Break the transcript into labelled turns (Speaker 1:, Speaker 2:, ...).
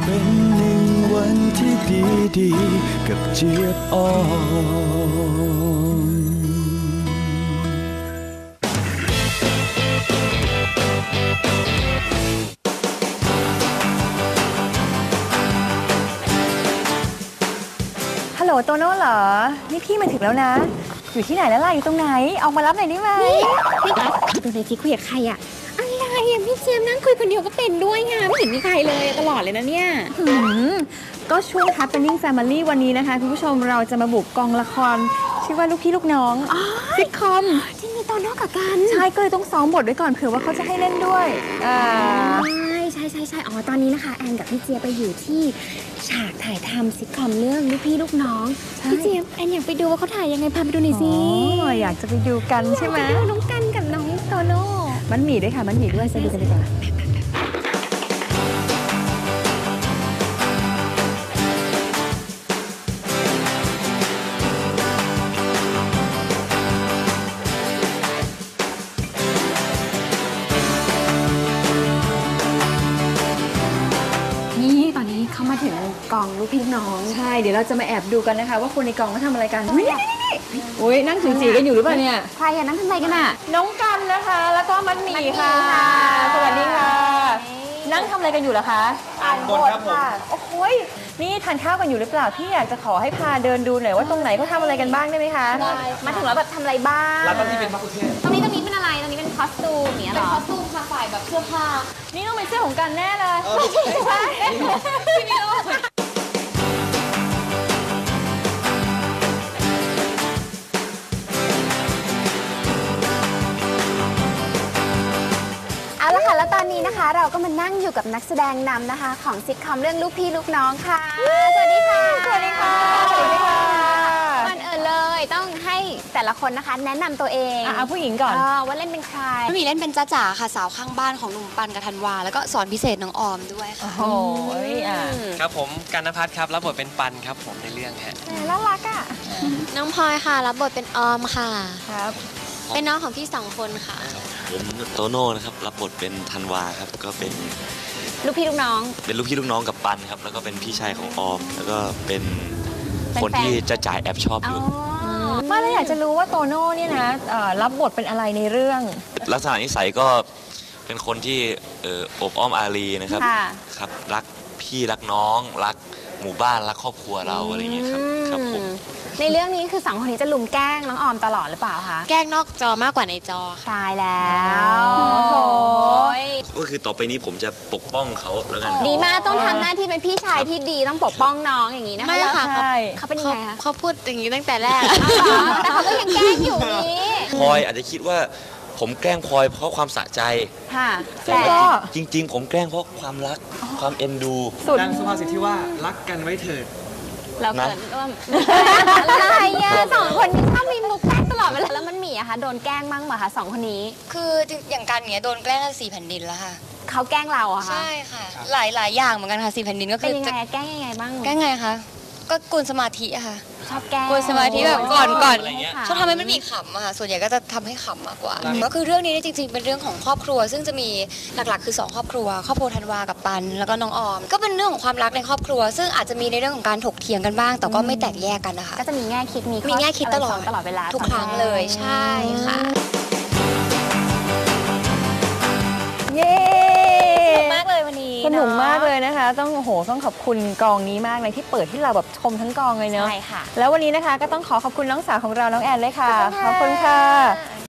Speaker 1: เป็นหนึ่งวันที่ดีๆกับเจี๊ยบอ่อน
Speaker 2: ฮัลโหลโตโน่เหรอนี่พี่มาถึงแล้วนะอยู่ที่ไหนแล้วล่ะอยู่ตรงไหนออกมารับหน่อยได้ไหม
Speaker 3: พี่ก๊อฟดูในจีคุยกับใครอะอะไรอะพี่เจี๊ยบนั่งคุยคนเดียวก็เป็นด้วยไงไม่เห็นมีใครเลยตลอดเลยนะเนี่ย
Speaker 2: ก็ช่วง Happening Family วันนี้นะคะคุณผู้ชมเราจะมาบุกกองละครชื่อว่าลูกพี่ลูกน้องซิทคอม
Speaker 3: ที่มีตอนนอกกับกัน
Speaker 2: ใช่ก็เลยต้องซ้อมบทไว้ก่อนเผื่อว่าเขาจะให้เล่นด้วย
Speaker 3: ใช่อ๋อตอนนี้นะคะแอนกับพี่เจี๊ยบไปอยู่ที่ฉากถ่ายทำซิทคอมเรื่องลูกพี่ลูกน้องพี่เจี๊ยบแอนอยากไปดูว่าเขาถ่ายยังไงพาไปดูหน่อยสิ
Speaker 2: อยากจะไปดูกันใช่ไหม
Speaker 3: ดูน้องกันกับน้องโตโน่
Speaker 2: มันหมี่ด้วยค่ะมันหมี่ด้วยไปดูกันดีกว่า
Speaker 3: นี่ตอนนี้เขามาถึงกองลูกพี่น้อง
Speaker 2: ใช่เดี๋ยวเราจะมาแอบดูกันนะคะว่าคนในกองเขาทำอะไรกันนี่อุ้ยนั่งจีกันอยู่หรือเปล่าเนี่ย
Speaker 3: ใครอะนั่งทำอะไรกันอะ
Speaker 2: น้องกันนะคะแล้วก็มันหมี่ค่ะสวัสดีค่ะนั่งทำอะไรกันอยู่เหรอคะ
Speaker 4: อ่านบทครับผม
Speaker 2: โอ้โหนี่ทานข้าวกันอยู่หรือเปล่าพี่อยากจะขอให้พาเดินดูหน่อยว่าตรงไหนเขาทำอะไรกันบ้างได้ไหมคะ
Speaker 3: มาถึงแล้วแบบทำอะไรบ้าง
Speaker 4: แล้วตอนนี้เป็นมะกุเทศ
Speaker 3: ตรงนี้เป็นอะไรตรงนี้เป็นคอสตูมเนี่ยหรอเป็นคอสตูมค่ะฝ่ายแบบเสื้อผ้า
Speaker 2: นี่ต้องเป็นเสื้อของกันแน่เลย
Speaker 3: ใช่พี่มิโลเอาละค่ะแล้วตอนนี้นะคะเราก็มานั่งอยู่กับนักแสดงนำนะคะของซิทคอมเรื่องลูกพี่ลูกน้องค่ะสวัสดีค่ะ
Speaker 2: สวัสดีค่ะสวัสดีค่ะ
Speaker 3: ก่อนอื่นเลยต้องให้แต่ละคนนะคะแนะนำตัวเอง
Speaker 2: เอาผู้หญิงก่อน
Speaker 3: ว่าเล่นเป็นใคร
Speaker 5: พี่เล่นเป็นจ้าจ๋าค่ะสาวข้างบ้านของหนุ่มปันกับธันวาแล้วก็สอนพิเศษน้องออมด้วยค่ะ
Speaker 2: โอ้ย
Speaker 4: ครับผมกันณภัทรครับรับบทเป็นปันครับผมในเรื่องฮะ
Speaker 2: น่ารักอ่ะ
Speaker 5: น้องพลอยค่ะรับบทเป็นออมค่ะ
Speaker 2: ครับ
Speaker 5: เป็นน้องของพี่2 คนค่ะ
Speaker 6: ผมโตโน่นะครับรับบทเป็นธันวาครับก็เป็น
Speaker 3: ลูกพี่ลูกน้อง
Speaker 6: เป็นลูกพี่ลูกน้องกับปันครับแล้วก็เป็นพี่ชายของออมแล้วก็เป็นคนที่จะจ่ายแอบชอบอยู่
Speaker 2: มาแล้วอยากจะรู้ว่าโตโน่เนี่ยนะรับบทเป็นอะไรในเรื่อง
Speaker 6: ลักษณะนิสัยก็เป็นคนที่อบอ้อมอารีนะครับครับรักพี่รักน้องรักหมู่บ้านรักครอบครัวเราอะไรอย่างเงี้ยครับครับผม
Speaker 3: ในเรื่องนี้คือ2 คนนี้จะลุมแกล้งน้องออมตลอดหรือเปล่าคะ
Speaker 5: แกล้งนอกจอมากกว่าในจอ
Speaker 3: ตายแล้ว
Speaker 6: ก็คือต่อไปนี้ผมจะปกป้องเขาแล้วกัน
Speaker 3: ดีมากต้องทำหน้าที่เป็นพี่ชายที่ดีต้องปกป้องน้องอย่างนี้นะคะ
Speaker 5: ไม่ค่ะ
Speaker 3: เขาเป็นยังไงคะ
Speaker 5: เขาพูดอย่างนี้ตั้งแต่แรก
Speaker 3: แต่เขาก็ยังแกล้งอยู่นี้
Speaker 6: พลอยอาจจะคิดว่าผมแกล้งพลอยเพราะความสะใจแต่จริงๆผมแกล้งเพราะความรักความเอ็นดู
Speaker 4: ดังสุภาษิตที่ว่ารักกันไว้เถิด
Speaker 3: เราเกิดร่วมอะไรอ่ะ2 คนนี้ชอบมีมุกแกล้งตลอดเวลาแล้วมันมีอะคะโดนแกล้งบ้างไหมคะ2 คนนี้
Speaker 5: คืออย่างกันเนี้ยโดนแกล้ง4 แผ่นดินแล้วค่ะ
Speaker 3: เขาแกล้งเราอะคะ
Speaker 5: ใช่ค่ะหลายอย่างเหมือนกันค่ะ4 แผ่นดินก็คือ
Speaker 3: เป็นยังไงแกล้งยังไงบ้าง
Speaker 5: แกล้งไงคะก็กวนสมาธิอะค่ะ
Speaker 3: ชอบแกล้ง
Speaker 5: กวนสมาธิแบบก่อนชอบทำให้มันมีขำอะค่ะส่วนใหญ่ก็จะทำให้ขำมากกว่าก็คือเรื่องนี้จริงๆเป็นเรื่องของครอบครัวซึ่งจะมีหลักๆคือ2 ครอบครัวธันวากับปันแล้วก็น้องออมก็เป็นเรื่องของความรักในครอบครัวซึ่งอาจจะมีในเรื่องของการถกเถียงกันบ้างแต่ก็ไม่แตกแยกกันนะคะ
Speaker 3: ก็จะมีแง่คิดมี
Speaker 5: แง่คิดตลอด
Speaker 3: เวลา
Speaker 5: ทุกครั้งเลยใช่ค่ะ
Speaker 2: เย้
Speaker 3: มากเลยวันนี้
Speaker 2: สนุกมากเลยนะคะต้องขอบคุณกองนี้มากเลยที่เปิดที่เราแบบชมทั้งกองเลยเนาะ
Speaker 3: ใช่ค่ะ
Speaker 2: แล้ววันนี้นะคะก็ต้องขอขอบคุณน้องสาวของเราน้องแอนเลยค่ะขอบคุณค่ะ